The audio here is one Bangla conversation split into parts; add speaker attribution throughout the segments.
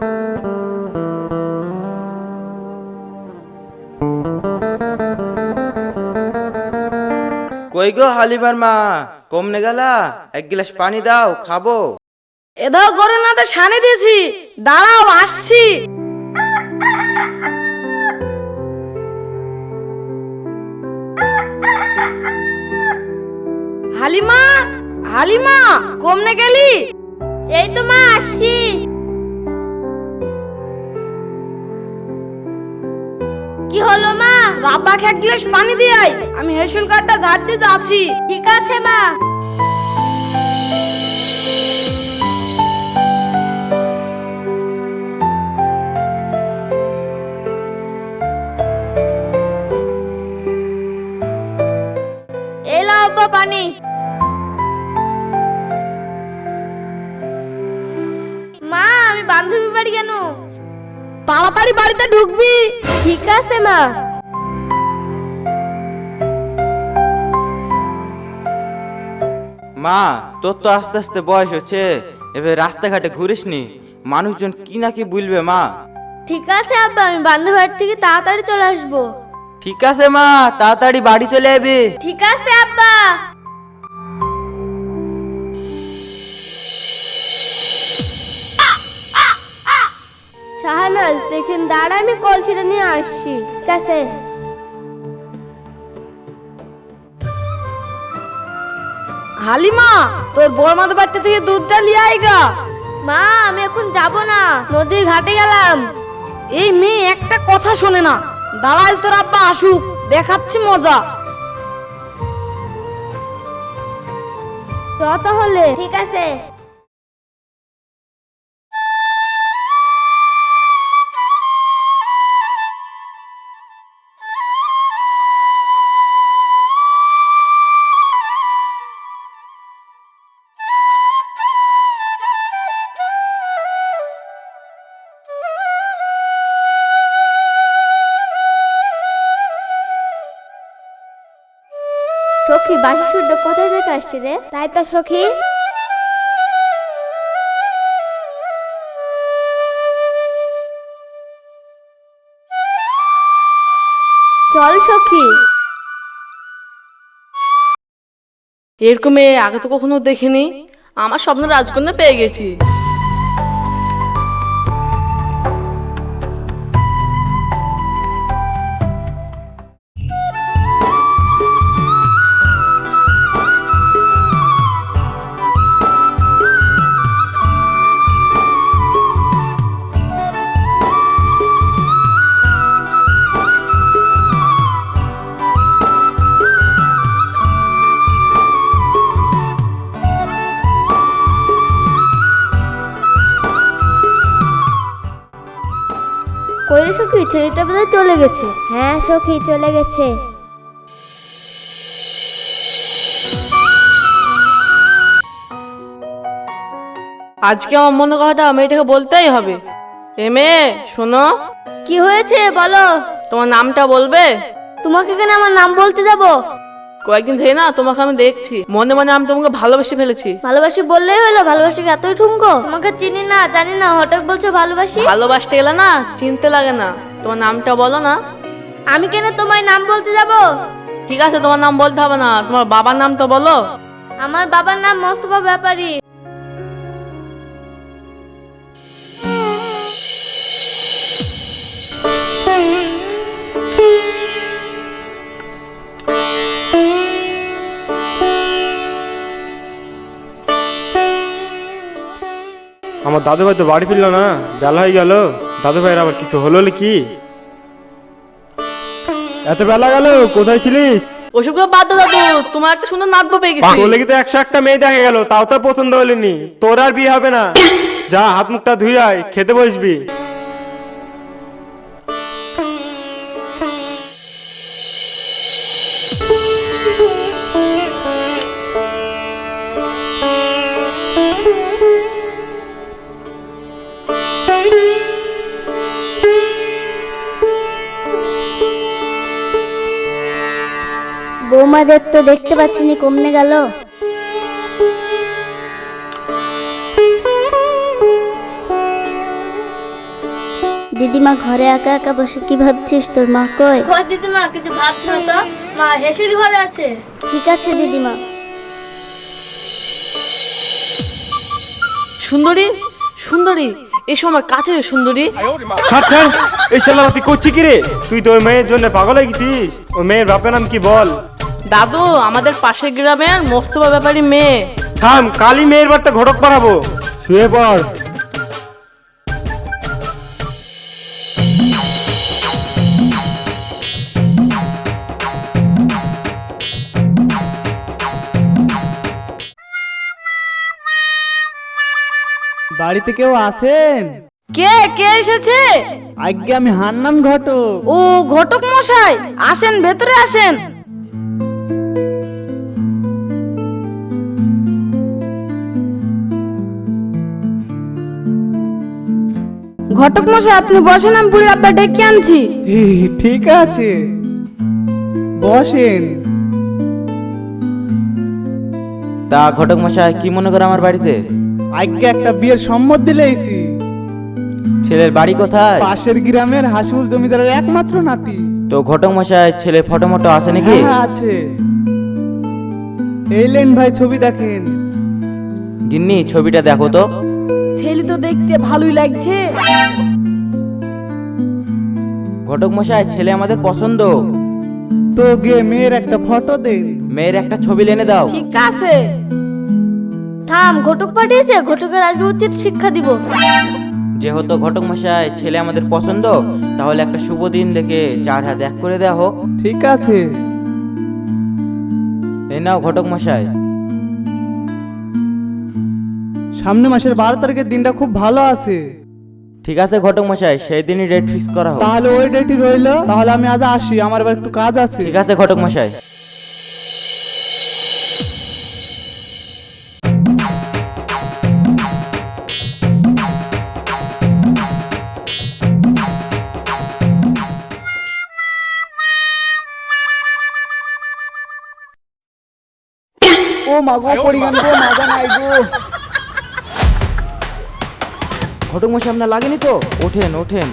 Speaker 1: কই গো হালিমার মা, কমনে গেলা? এক গ্লাস পানি দাও, খাবো।
Speaker 2: এ দাও গরু না তো সানি দিয়েছি, দাঁড়াও আসছি। হালিমা, হালিমা, কমনে গেলি?
Speaker 3: এই তো মা আসছি। কি হলো মা?
Speaker 2: রাব্বাকে এক গ্লাস পানি দিয়ে আয়, আমি হেসেল কাঠটা ঝাড় দিয়ে যাচ্ছি।
Speaker 3: ঠিক আছে মা। এই লাও আব্বা পানি। মা আমি বান্ধবী বাড়ি কেন?
Speaker 2: তাড়াতাড়ি বাড়িতে ঢুকবি।
Speaker 3: ঠিক আছে মা।
Speaker 1: মা, তোর তো আস্তে আস্তে বয়স হচ্ছে, এবার রাস্তাঘাটে ঘুরিস নি, মানুষজন কি না কি বলবে মা।
Speaker 3: ঠিক আছে আব্বা, আমি বান্ধবী বাড়ি থেকে তাড়াতাড়ি চলে আসবো।
Speaker 1: ঠিক আছে মা, তাড়াতাড়ি বাড়ি চলে যাবি।
Speaker 3: ঠিক আছে আব্বা। শাহানাজ দেখেন, দাঁড়া আমি কলসিটা নিয়ে আসছি। ঠিক আছে।
Speaker 2: হালিমা, তোর বড়মাদের বাড়ি থেকে দুধটা নিয়ে আইগা।
Speaker 3: মা আমি এখন যাব না, নদীর ঘাটে গেলাম।
Speaker 2: এই মেয়ে একটা কথা শোনে না। দাঁড়াই তোর আব্বা আসুক, দেখাচ্ছি মজা।
Speaker 3: চ তাহলে। ঠিক আছে। সখী, বাঁশি সুরটা কোথায় থেকে আসছে রে? তাই তো সখী। চল সখী।
Speaker 4: এরকম মেয়ে আগে তো কখনো দেখিনি। আমার স্বপ্ন রাজকন্যা পেয়ে গেছি।
Speaker 3: কই রে সখী, ছেলেটা বোধহয় চলে গেছে। হ্যাঁ সখী, চলে গেছে।
Speaker 4: আজকে আমার মনে কথাটা মেয়েটাকে বলতেই হবে। এ মেয়ে শোনো,
Speaker 3: কি হয়েছে বলো?
Speaker 4: তোমার নামটা বলবে?
Speaker 3: তোমাকে কেন আমার নাম বলতে যাব?
Speaker 4: কয়েকদিন ধরে না তোমাকে আমি দেখছি, মনে মনে আমি তোমাকে ভালোবেসে ফেলেছি।
Speaker 3: ভালোবাসি বললেই হলো? ভালোবাসি কি এতই ঠুনকো? তোমাকে চিনি না জানি না, হঠাৎ বলছো ভালোবাসি।
Speaker 4: ভালোবাসতে গেলে না চিনতে লাগে না। তোমার নামটা বলো না।
Speaker 3: আমি কেন তোমায় নাম বলতে যাব?
Speaker 4: ঠিক আছে, তোমার নাম বলতে হবে না, তোমার বাবার নাম তো বলো।
Speaker 3: আমার বাবার নাম মোস্তফা ব্যাপারী।
Speaker 5: আমার দাদু ভাই তো বাড়ি ফিরলো না, বেলা হয়ে গেল। দাদু ভাইয়ের আবার কিছু হলো কি? এত বেলা গেল, কোথায় ছিলিস?
Speaker 4: ওসবগুলো বাদ দাও দাদু, তোমার একটা সুন্দর নাতবো পেয়ে গেছি।
Speaker 5: তোর লেগে তো 101টা মেয়ে দেখা গেল, তাও তো পছন্দ হলেনি। তোর আর বিয়ে হবে না। যা, হাত মুখটা ধুই আয়, খেতে বসবি।
Speaker 3: বৌমাদের তো দেখতে পাচ্ছি নি, কমনে গেল।
Speaker 6: দিদিমা ঘরে একা একা বসে কি ভাবছিস? তোর মা কই?
Speaker 3: কই দিদিমা কিছু ভাবছো না তো? মা হেসির ঘরে আছে।
Speaker 6: ঠিক আছে দিদিমা।
Speaker 4: সুন্দরী, সুন্দরী, এসো আমার কাছে রে সুন্দরী।
Speaker 5: ছাড় ছাড়, এই শালাবাতি করছি কি রে? তুই তো ওই মেয়ের জন্য পাগল হয়ে গেছিস। ওই মেয়ের বাপের নাম কি বল?
Speaker 4: দাদু, আমাদের পাশের গ্রামের মোস্তফা ব্যাপারী মেয়ে।
Speaker 5: থাম, কালি মেয়ের বাড়িতে ঘটক পাঠাবো। শুয়ে পড়।
Speaker 7: বাড়িতে কেউ আছেন?
Speaker 2: কে কে এসেছে?
Speaker 7: আজ্ঞে আমি হান্নান ঘটক।
Speaker 2: ও ঘটক মশাই, আসেন ভেতরে আসেন। ঘটক মশাই আপনি বসেন, আমি বুড়ির আব্বা ডেকে আনছি।
Speaker 7: ঠিক আছে, বসেন।
Speaker 1: তা ঘটক মশাই কি মনে করে আমার বাড়িতে?
Speaker 7: আজ্ঞে একটা বিয়ের সম্মত দিলেইছি।
Speaker 1: ছেলের বাড়ি কোথায়?
Speaker 7: পাশের গ্রামের হাসিবুল জমিদারের একমাত্র নাতি।
Speaker 1: তো ঘটক মশাই ছেলে ফটো মটো আছে নাকি?
Speaker 7: হ্যাঁ আছে। এই লেন ভাই ছবি দেখেন।
Speaker 1: গিন্নি ছবিটা দেখো তো।
Speaker 2: ছেলে তো দেখতে ভালোই লাগছে।
Speaker 1: ঘটক মশাই ছেলে আমাদের পছন্দ।
Speaker 7: তো গে মেয়ের একটা ফটো দেন।
Speaker 1: মেয়ের একটা ছবি এনে দাও।
Speaker 2: ঠিক আছে।
Speaker 3: থাম, ঘটক পাঠিয়েছে, ঘটকের আজকে উচিত শিক্ষা দিব।
Speaker 1: যেহেতু ঘটক মশাই ছেলে আমাদের পছন্দ, তাহলে একটা শুভ দিন দেখে 4 হাত এক করে দেওয়া হোক।
Speaker 7: ঠিক আছে।
Speaker 1: এই নাও ঘটক মশাই।
Speaker 7: সামনে মাসের 12 তারিখের দিনটা খুব ভালো আছে।
Speaker 1: ঠিক আছে ঘটক মশাই, সেই দিনই ডেট ফিক্স করা হোক।
Speaker 7: তাহলে ওই ডেটই রইলো। তাহলে আমি আজ আসি, আমার আবার একটু কাজ আছে।
Speaker 1: ঠিক আছে ঘটক মশাই।
Speaker 7: ও মাগো পড়ি গান গো, মাজা নাই গো।
Speaker 1: ঘটক মশাই আপনার লাগেনি তো? ওঠেন ওঠেন।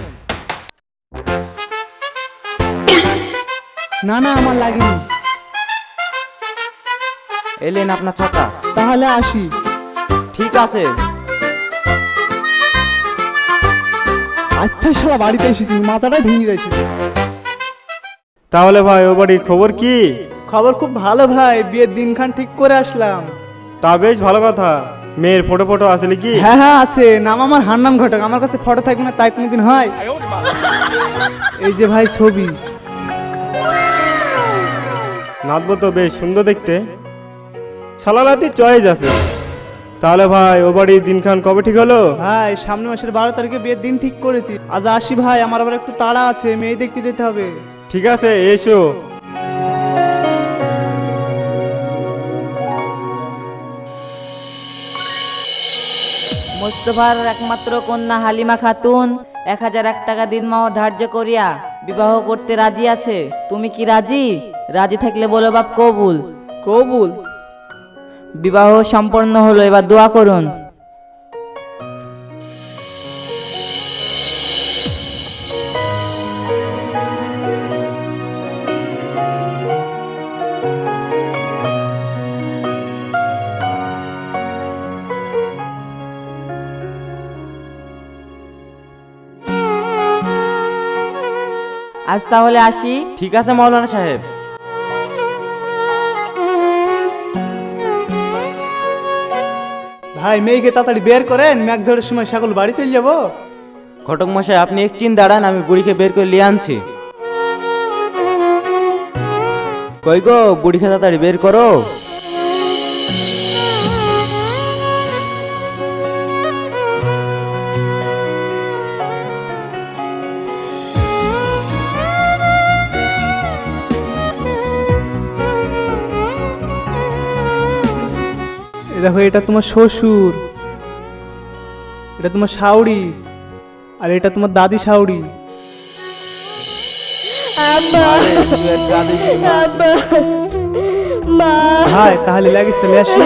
Speaker 7: না না আমার লাগেনি।
Speaker 1: এলেন আপনার ছাতা।
Speaker 7: তাহলে আসি।
Speaker 1: ঠিক আছে।
Speaker 7: আচ্ছা শালা বাড়িতে এসেছি, মাথাটা ভেঙে যাচ্ছে।
Speaker 5: তাহলে ভাই ও বাড়ির খবর কি?
Speaker 7: খবর খুব ভালো ভাই, বিয়ের দিনখান ঠিক করে আসলাম।
Speaker 5: তা বেশ ভালো কথা। মেয়ের ফটো ফটো আছে নাকি?
Speaker 7: হ্যাঁ হ্যাঁ আছে। নাম আমার হান্নান ঘটক। আমার কাছে ফটো থাকবে না তাই কোনোদিন হয়? এই যে ভাই ছবি।
Speaker 5: নাচবো তো বেশ সুন্দর দেখতে। শালালাতি চয়েস আছে। তাহলে ভাই ও বাড়ির দিনখান কবে ঠিক হলো?
Speaker 7: ভাই সামনে মাসের 12 তারিখে বিয়ের দিন ঠিক করেছি। আজ আসি ভাই, আমার আবার একটু তাড়া আছে, মেয়ে দেখতে যেতে হবে।
Speaker 5: ঠিক আছে এসো।
Speaker 8: মোস্তফার একমাত্র কন্যা হালিমা খাতুন 1001 টাকা দিনমহ ধার্য করিয়া বিবাহ করতে রাজি আছে। তুমি কি রাজি? রাজি থাকলে বলো বাপ কবুল।
Speaker 4: কবুল।
Speaker 8: বিবাহ সম্পন্ন হলো, এবার দোয়া করুন। আজ তাহলে আসি।
Speaker 1: ঠিক আছে মাওলানা সাহেব।
Speaker 7: ভাই মেয়েকে তাড়াতাড়ি বের করেন, মেঘ ঝড়ের সময় সকল বাড়ি চলে যাবো।
Speaker 1: ঘটক মশাই আপনি এক চিন দাঁড়ান, আমি বুড়িকে বের করে নিয়ে আনছি। কই গো বুড়িকে তাড়াতাড়ি বের করো।
Speaker 7: দেখো এটা তোমার শ্বশুর, এটা তোমার শাউড়ি, আর এটা তোমার দাদি শাউড়ি। ভাই তাহলে লাগিস তাহলে আসি।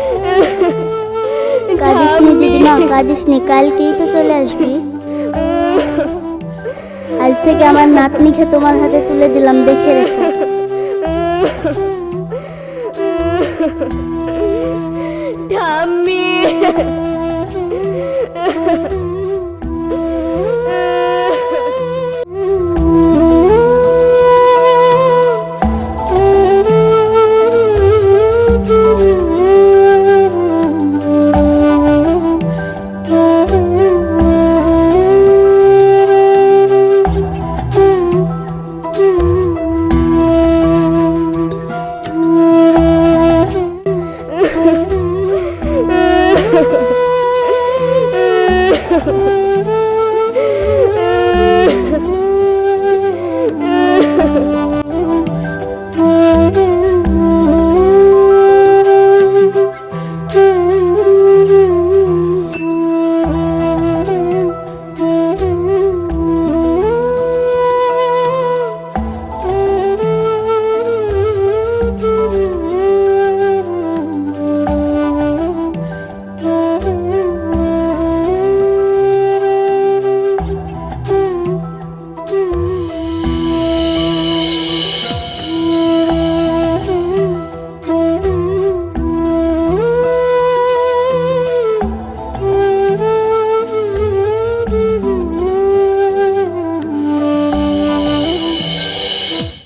Speaker 6: কাঁদিস নি দিদিমা, কাঁদিস নি, কালকেই তো চলে আসবি। আজ থেকে আমার নাতনিকে তোমার হাতে তুলে দিলাম, দেখে রেখো।